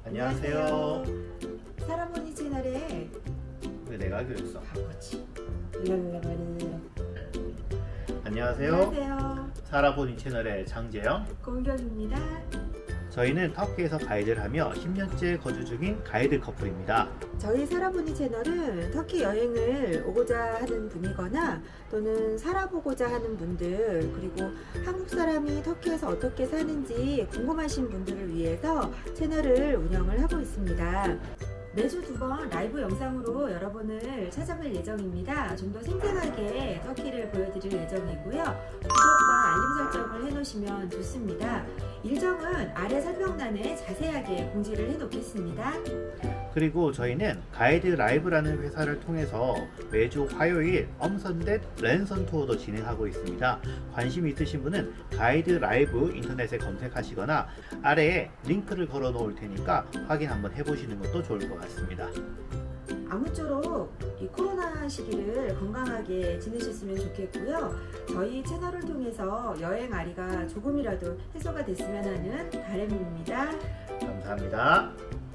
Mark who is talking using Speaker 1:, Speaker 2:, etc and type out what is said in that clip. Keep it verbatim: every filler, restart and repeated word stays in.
Speaker 1: 안녕하세요.
Speaker 2: 사라보니 채널에
Speaker 1: 왜 내가 하기로 했어?
Speaker 2: 바보지. 랄랄랄랄.
Speaker 1: 안녕하세요.
Speaker 2: 안녕하세요.
Speaker 1: 사라보니 채널의 장재영.
Speaker 2: 공경입니다.
Speaker 1: 저희는 터키에서 가이드를 하며 십 년째 거주 중인 가이드 커플입니다.
Speaker 2: 저희 사라보니 채널은 터키 여행을 오고자 하는 분이거나 또는 살아보고자 하는 분들, 그리고 한국 사람이 터키에서 어떻게 사는지 궁금하신 분들을 위해서 채널을 운영을 하고 있습니다. 매주 두 번 라이브 영상으로 여러분을 찾아뵐 예정입니다. 좀 더 생생하게 터키를 보여드릴 예정이고요. 구독과 알림 설정을 해놓으시면 좋습니다. 일정은 아래 설명란에 자세하게 공지를 해놓겠습니다.
Speaker 1: 그리고 저희는 가이드 라이브라는 회사를 통해서 매주 화요일 엄선된 랜선 투어도 진행하고 있습니다. 관심 있으신 분은 가이드 라이브 인터넷에 검색하시거나 아래에 링크를 걸어 놓을 테니까 확인 한번 해보시는 것도 좋을 것 같습니다.
Speaker 2: 아무쪼록 이 코로나 시기를 건강하게 지내셨으면 좋겠고요. 저희 채널을 통해서 여행 아리가 조금이라도 해소가 됐으면 하는 바람입니다.
Speaker 1: 감사합니다.